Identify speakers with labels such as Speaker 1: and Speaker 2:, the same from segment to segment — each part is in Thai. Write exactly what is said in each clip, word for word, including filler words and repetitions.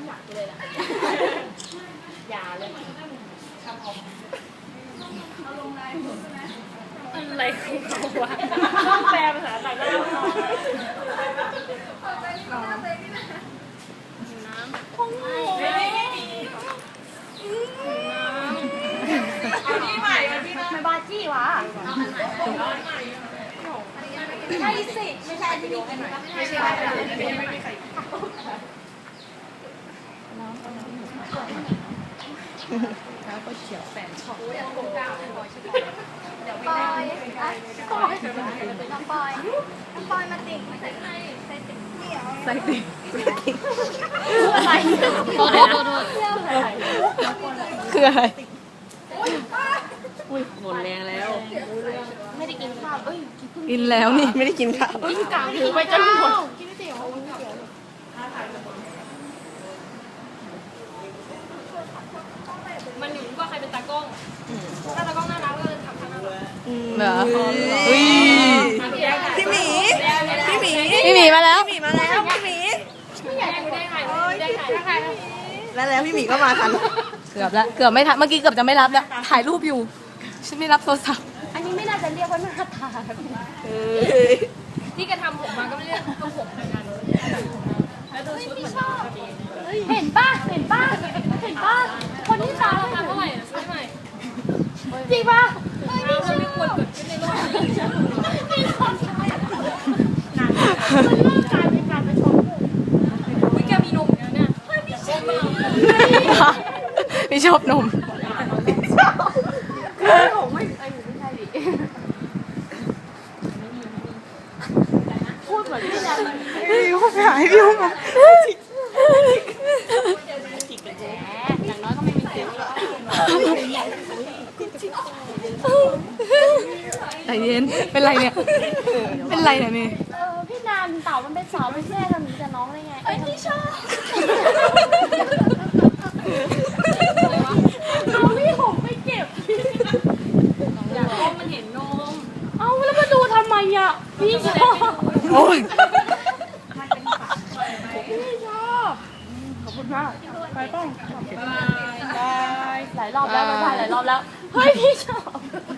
Speaker 1: ำหนักเลยนะอย่าเลยอะไรของเขาวะต้องแปลภาษาต่างดาวน้ำคงไม่เอาที่ใหม่มาที่นั่นไม่บาจี้วะใช่สิไม่ใช่ที่มีกันหน่อยไม่ใช่ไม่มีใครแล้วก็เขียวแฟนชอบเดี๋ยวไม่ได้เดี๋ยวไม่ได้ปอยน้องปอยน้องปอยมาติ่งใส่ใส่ใส่ติ่งเดี่ยวใส่ติ่งอะไรโทษโทษโทษ
Speaker 2: คืออะไร
Speaker 1: อุ้ยหมดแรงแล้วไม่ได้กินข้าวเอ้ย
Speaker 2: กินแล้วนี่ไม่ได้กินข้าว
Speaker 1: กินกลางถือไปจนหมดกินไม่เตี๋ยวมันอยู่ที่ว่าใครเป็นตากล้องถ้าตากล้องน่ารักก็เลยทำทางน่ารัก
Speaker 2: เหรออุ้ย
Speaker 3: พี่หมีพี่หมี
Speaker 2: พี่หมีมาแล้ว
Speaker 3: พี่หมีมาแล้วพี่หมี
Speaker 1: ไม่อยากได้ใครได้ใครได้ใคร
Speaker 3: แล้วแล้วพี่หมีก็มาทัน
Speaker 2: เกือบแล้วเกือบไม่ทันเมื่อกี้เกือบจะไม่รับแล้วถ่ายรูปอยู่ฉันไม่รับโทรศัพท์
Speaker 1: อันนี้ไม่น่าจะเรียกว่าหน้าตาที่กระทำผมมาก็ไม่เรียกก็ผมเหมือนกันแล้วดูชุดเหมือนเห็นป่ะเห็นป่ะเห็นป่ะคนที่ตาราคาเท่าไหร่ซื้อใหม่จริงป่ะไม่ชอบไม่ควรเกิดขึ้นในโลกนี้ไม่ชอบมันเริ่มกลายเป็นการประชดวิแกมีนมเนี่ยเนี่ยไม่ชอบ
Speaker 2: ไม่ชอบนม
Speaker 1: ผมไม่ไอ้หนูไม่ใช่ดิพูดเหมือนพี่แล้ว
Speaker 3: พี่เขาไปหาพี่เขามา
Speaker 1: อย่างน้อยก็ไม่มีเสียง
Speaker 2: ใจเย็นเป็นไรเนี่ยเป็นไรเนี่ยนี่
Speaker 1: เออพี่นานเต่ามันเป็นสาวเป็นแม่ทำนี้จะน้องได้ไงเอ้ยพี่ชอบน้องพี่ผมไม่เก็บอยากให้มันเห็นนมเอ้าแล้วมาดูทำไมอ่ะพี่ชอบ
Speaker 2: โอ้ย
Speaker 1: พี่ชอบขอบคุณมากไปต้องหลายรอบแล้วไปหลายรอบแล้วเฮ้ยพี่ชอบ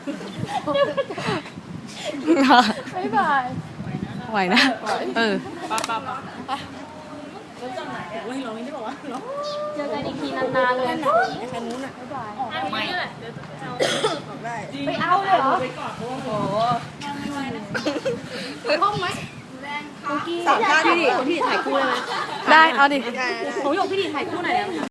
Speaker 1: บ๊ายบาย
Speaker 2: ไหวนะเออ
Speaker 1: ป้าป้าป้าเจอกันอีกทีนานๆเลยนะแค่นู้นอ่ะบ๊ายบายไม่แหละไปเอาเลยเหรอห้องไหม
Speaker 3: สามชาติพี่พี่ถ่ายคู่เลยไหม
Speaker 2: ได้เอาดิ
Speaker 1: หนูหยกพี่ดีถ่ายคู่ไหนแล้ว